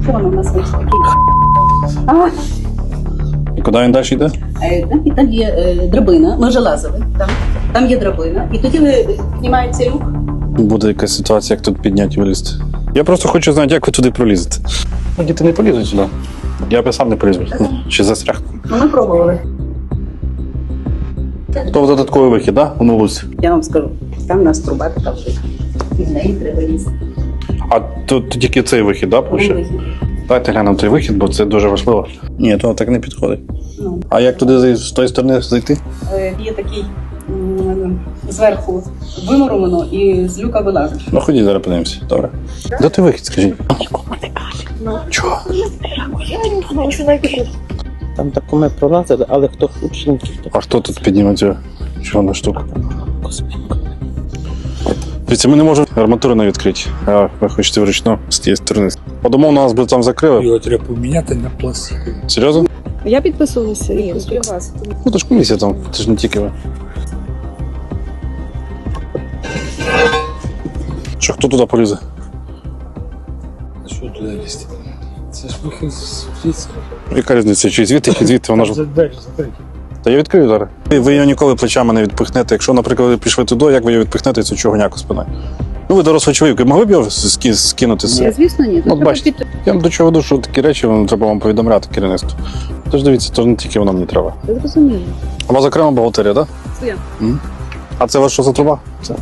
Вон у нас ось такий. І куди він далі йде? І там є драбина, ми вже лазили, там є драбина. І тоді ви піднімаєте люк. Буде якась ситуація, як тут підняти і вилізти. Я просто хочу знати, як ви туди пролізете. Ну, діти не полізуть сюди. Я б сам не полізу. Чи застряг. Ну, ми пробували. То додатковий вихід, так? Да? У луці. Я вам скажу, там у нас труба така вже. І в неї треба лізти. А тут тільки цей вихід, так? Да, Вихід. Дайте глянемо той вихід, бо це дуже важливо. Ні, то так не підходить. Ну. А як туди з тої сторони зайти? Є такий зверху вимуровано і з люка вилазиш. Ну ходіть, зараз подивимося. Добре. Де той вихід, скажіть? Чого? Там тако ми пролазили, але хто хоче, А хто тут підніме цю чорну штуку? Дивіться, ми не можемо арматуру не відкрити, а ви хочете вручну з тієї сторони. По-думав, нас би там закрили. Його треба поміняти на пластиковий. Серйозно? Я підписувалася. Ну то ж комісія там, це ж не тільки ви. Що, хто туди полізе? Що туди лізти? Це ж вихід звідси. Яка різниця, чи звідти, чи звідти, вона ж... Закрити. Та я відкрию зараз. Ви його ніколи плечами не відпихнете. Якщо, наприклад, ви пішли туди, як ви його відпихнете, це чого спиною? Ну, ви дорослий чоловік, ви могли б його скинути з себе? Звісно, ні. От бачите, я до чого веду, що такі речі треба вам повідомляти керівництву. Тож дивіться, то не тільки воно мені треба. Я зрозумію. У вас окрема бухгалтерія, так? Своя. А це вас що за труба? Це.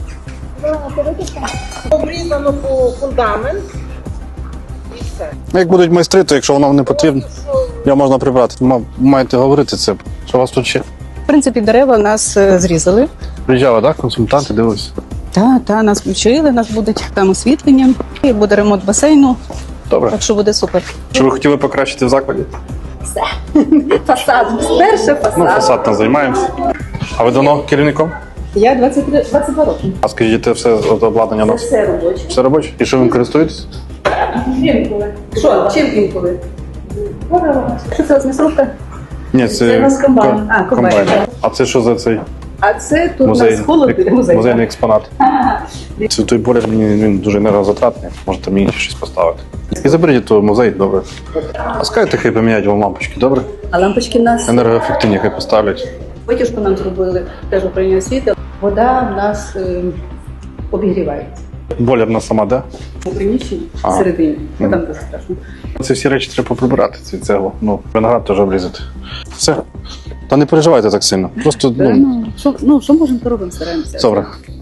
Обрізано по фундамент і все. Ну, як будуть майстри, то якщо воно не потрібно, його можна прибрати. Маєте говорити це. Що у вас тут ще? В принципі, дерева нас зрізали. Приїжджали, так? Консультанти дивилися. Та, нас включили, нас буде там освітлення. І буде ремонт басейну, Добре. так що буде супер. Що ви хотіли покращити в закладі? Фасад, перше Ну, фасад там займаємося. А ви давно керівником? Я 22 роки. А скажіть, це все обладнання у нас? Все робоче. Все робоче? І що ви користуєтесь? Інколи. Що, чим інколи? Що це, м'ясорубка? Ні, Це у нас комбайн. А, комбайн. А це що за цей А це тут у музей? нас музей. Музейний експонат. Це той бойлер, він дуже енергозатратний, можете мені щось поставити. І заберіть той музей, добре. А скажете, хай поміняють вам лампочки, добре? А лампочки в нас, Енергоефективні хай поставлять. витяжку нам зробили, теж управління освіти. Вода в нас обігрівається. Бойлер на сама де? У приміщенні, Ага. всередині. Ну, там дуже страшно. Ці всі речі треба поприбирати, ці цеглу. Ну, виноград теж обрізати. Все. Та не переживайте так сильно. Просто, Що можемо, то робимо, стараємося. добре.